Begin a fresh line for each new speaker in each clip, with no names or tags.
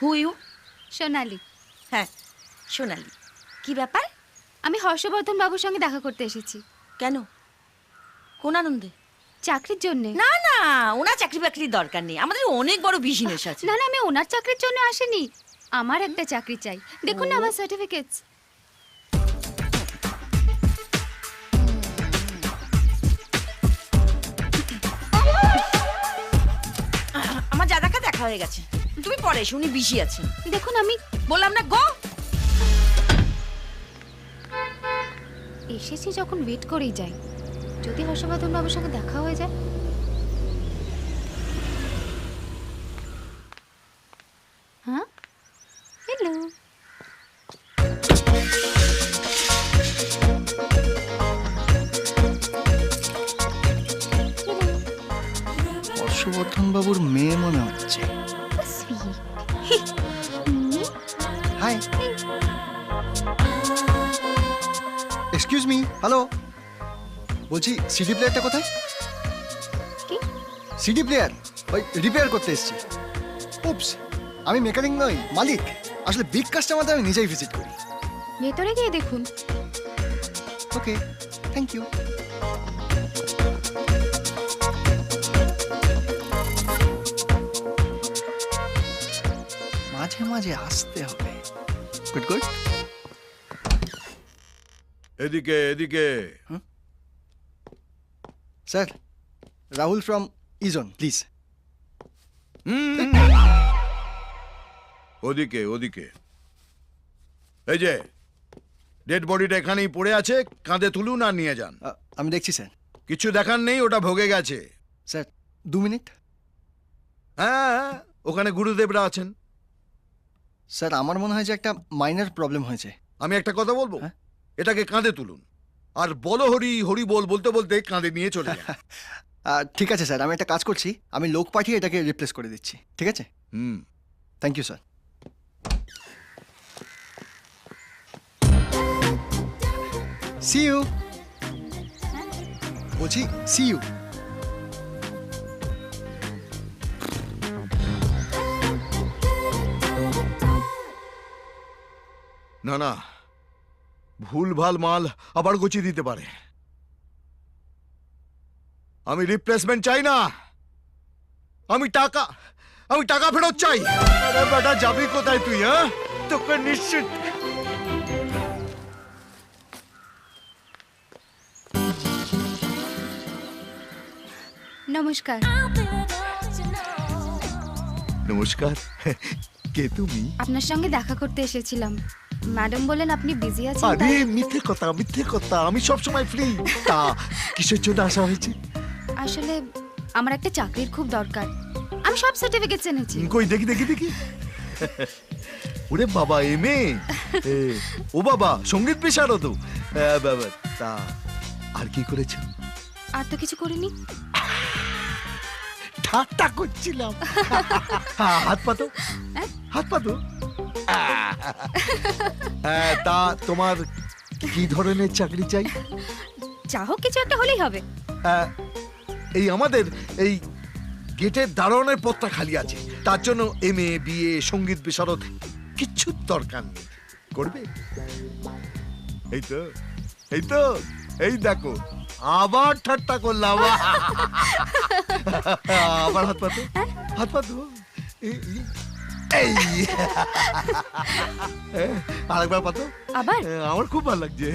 Who you?
সোনালি।
হ্যাঁ সোনালি, কি ব্যাপার?
আমি হর্ষবর্ধন বাবুর সঙ্গে দেখা করতে এসেছি।
কেন, কোন আনন্দে?
চাকরির জন্য।
না না, ওনার চাকরি বাকরির দরকার নেই, আমাদের অনেক বড় বিজনেস আছে।
না না, আমি ওনার চাকরির জন্য আসিনি, আমার একটা চাকরি চাই। দেখুন না আমার সার্টিফিকেটস।
আমার দাদাকে দেখা হয়ে গেছে, তুমি পরে এসো, উনি বিজি আছেন।
দেখুন আমি
বললাম না গো।
এসেছি যখন ওয়েট করেই যাই, যদি হর্ষবর্ধন বাবুর সঙ্গে দেখা হয়ে যায়। হ্যাঁ, হ্যালো।
হর্ষবর্ধন বাবুর মেয়ে মনে হচ্ছে। Hi, excuse me, hello. বলছি সিডি প্লেয়ারটা কোথায়?
কি?
সিডি প্লেয়ার ওই রিপেয়ার করতে এসেছি। উপস, আমি মেকানিক নই, মালিক। আসলে বিগ কাস্টমারদের আমি নিজেই ভিজিট করি।
ভেতরে গিয়ে দেখুন।
Okay, thank you. মাঝে মাঝে আসতে হবে। Good good.
এদিকে এদিকে।
স্যার, রাহুল ফ্রম ইজন, প্লিজ।
ওদিকে ওদিকে। এই যে ডেড বডিটা এখানেই পড়ে আছে, কাঁধে তুলুন আর নিয়ে যান।
আমি দেখছি স্যার।
কিছু দেখার নেই, ওটা ভোগে গেছে।
Sir 2 minute.
হ্যাঁ, ওখানে গুরুদেবরা আছেন।
স্যার আমার মনে হয় যে একটা মাইনর প্রবলেম হয়েছে।
আমি একটা কথা বলবো,
হ্যাঁ?
এটাকে কাঁধে তুলুন আর বলো হরি হরি বল বলতে বলতে কাঁধে নিয়ে চলে যান।
ঠিক আছে স্যার, আমি একটা কাজ করছি, আমি লোক পাঠিয়ে এটাকে রিপ্লেস করে দিচ্ছি, ঠিক আছে? Thank you sir. See you. বলছি সি ইউ।
না না, ভুল ভাল মাল আবার গুছিয়ে দিতে পারে। আমি রিপ্লেসমেন্ট চাই না, আমি টাকা ফেরত চাই। আরে বেটা, যাবি কোথায় তুই? হ্যাঁ, তোকে নিশ্চিত।
নমস্কার।
নমস্কার, কে তুমি?
আপনার সঙ্গে দেখা করতে এসেছিলাম। ম্যাডাম বলেন আপনি বিজি আছেন।
আরে মিথ্যে কথা, আমি সব সময় ফ্রি। তা কিসের জন্য আসা হয়েছে?
আসলে আমার একটা চাকরির খুব দরকার, আমি সব সার্টিফিকেটস এনেছি।
কই দেখি। ওরে বাবা, এমএ। ও বাবা, সঙ্গীত বিশারদ। বাবা, তা আর কি করেছো?
আর তো কিছু করিনি।
ঠাট্টা করছিলাম। হাত পাতো। তা তোমার কি ধরনের চাকরি চাই?
যা হোক কিছু একটা হলেই হবে।
এই আমাদের এই গেটের দারোয়ানের পদটা খালি আছে, তার জন্য এমএ বিএ সঙ্গীত বিশারদ কিচ্ছু দরকার নেই। করবে? এই তো এই দেখো, আবার ঠাট্টা করলাম। আবার হাত পাতো। এই আরেকবার পাতো।
আবার?
আমার খুব ভালো লাগছে।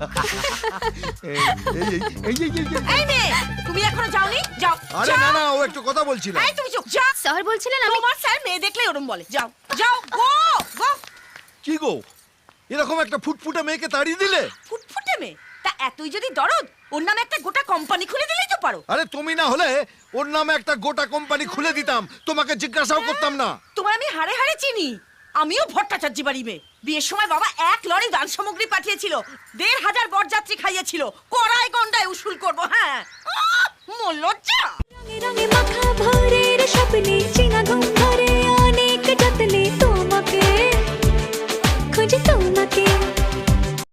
এই মেয়ে, তুমি এখনো যাওনি? যাও।
আরে না, ও একটু কথা বলছিল।
এই তুমি চুপ। যাও।
স্যার বলছিলেন আমি।
তোমার স্যার মেয়ে দেখলে ওরম বলে। যাও গো।
কি গো, এরকম একটা ফুটফুটে মেয়েকে তাড়িয়ে দিলে?
ফুটফুটে মেয়ে? তা এতই যদি দরদ, ওর নামে একটা গোটা কোম্পানি খুলে দিলেই তো পারো।
আরে তুমি না হলে ওর নামে একটা গোটা কোম্পানি খুলে দিতাম, তোমাকে জিজ্ঞাসাও করতাম না।
তোমার আমি হাড়ে হাড়ে চিনি। আমিও ভট্টাচার্য বাড়ি মেয়ে। বিয়ের সময় বাবা 1 লরি দান সামগ্রী পাঠিয়েছিল, 1,500 বরযাত্রী খাইয়েছিল। কড়াই গন্ডায় উসুল করবো। হ্যাঁ, মোর লজ্জা।
রঙে মাখা ভোরের স্বপ্নে চিনা ঘুম ধরে অনেক যত্নে তোমাকে খুঁজে তোমাকে।